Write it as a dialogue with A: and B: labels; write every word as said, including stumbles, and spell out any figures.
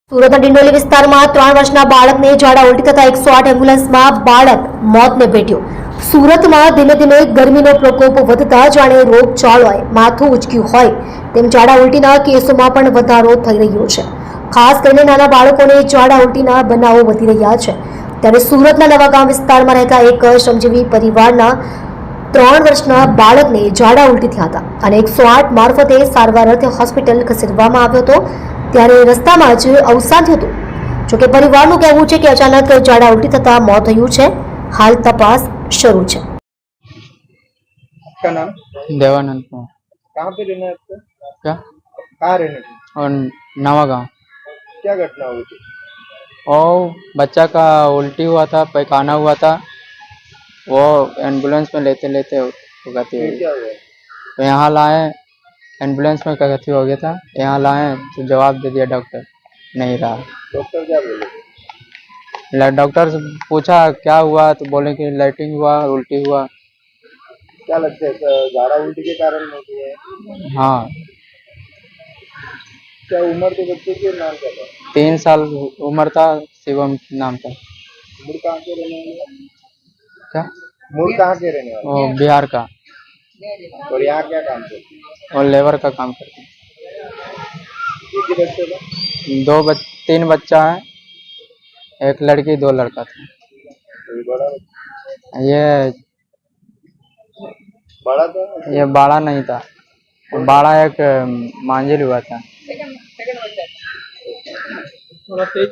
A: સુરતના ડિંડોલી વિસ્તારમાં ત્રણ વર્ષના બાળકને ઝાડા ઉલટી થતા એકસો આઠ એમ્બ્યુલન્સમાં બાળક મોતને ભેટ્યો. સુરતમાં ધીમે ધીમે ગરમીનો પ્રકોપ વધતા જાણે રોગચાળોએ માથું ઉચક્યું હોય તેમ ઝાડા ઉલટીના કેસોમાં પણ વધારો થઈ રહ્યો છે. ખાસ કરીને નાના બાળકોને ઝાડા ઉલટીના બનાવો વધી રહ્યા છે. ત્યારે સુરતના નવાગામ વિસ્તારમાં રહેતા એક શ્રમજીવી પરિવારના ત્રણ વર્ષના બાળકને ઝાડા ઉલટી થયા હતા અને એકસો આઠ મારફતે સારવાર અર્થે હોસ્પિટલ ખસેડવામાં આવ્યો હતો. ત્યારે રસ્તામાં જ અવસાન થયું હતું. જોકે પરિવારનું કહેવું છે કે અચાનક ઝાડા ઉલટી થતા મોત થયું છે. હાલ તપાસ શરૂ છે.
B: आपका नाम?
C: देवानंद कुमार।
B: कहाँ पे रहना है आपका?
C: क्या?
B: कहाँ रहने थे?
C: और नवा गाँव।
B: क्या घटना हुई थी?
C: और बच्चा का उल्टी हुआ था, पैखाना हुआ था, वो एम्बुलेंस में लेते लेते गति
B: फिर
C: हुई।
B: क्या हुआ?
C: तो यहाँ लाए, एम्बुलेंस में गति हो गया था, यहाँ लाए तो जवाब दे दिया डॉक्टर नहीं रहा।
B: डॉक्टर क्या बोले?
C: ल- डॉक्टर से पूछा क्या हुआ तो बोले कि लाइटिंग हुआ, उल्टी हुआ।
B: क्या लगता है क- झाड़ा उल्टी के कारण होती है?
C: हाँ,
B: क्या उम्र के बच्चे के नाम क्या था?
C: तीन साल उम्र था, शिवम नाम था।
B: मूल कहाँ के रहने वाले हैं?
C: क्या?
B: मूल कहाँ के रहने वाले
C: वो बिहार का,
B: हैं? और यहाँ क्या काम करते हैं?
C: और लेबर का काम करते हैं।
B: एक ही बच्चे का?
C: दो बच तीन बच्चा है, एक लड़की दो लड़का था।
B: कोई बड़ा बच्चा?
C: ये
B: बड़ा था?
C: ये बाड़ा नहीं था, बाड़ा एक मांझिल हुआ था।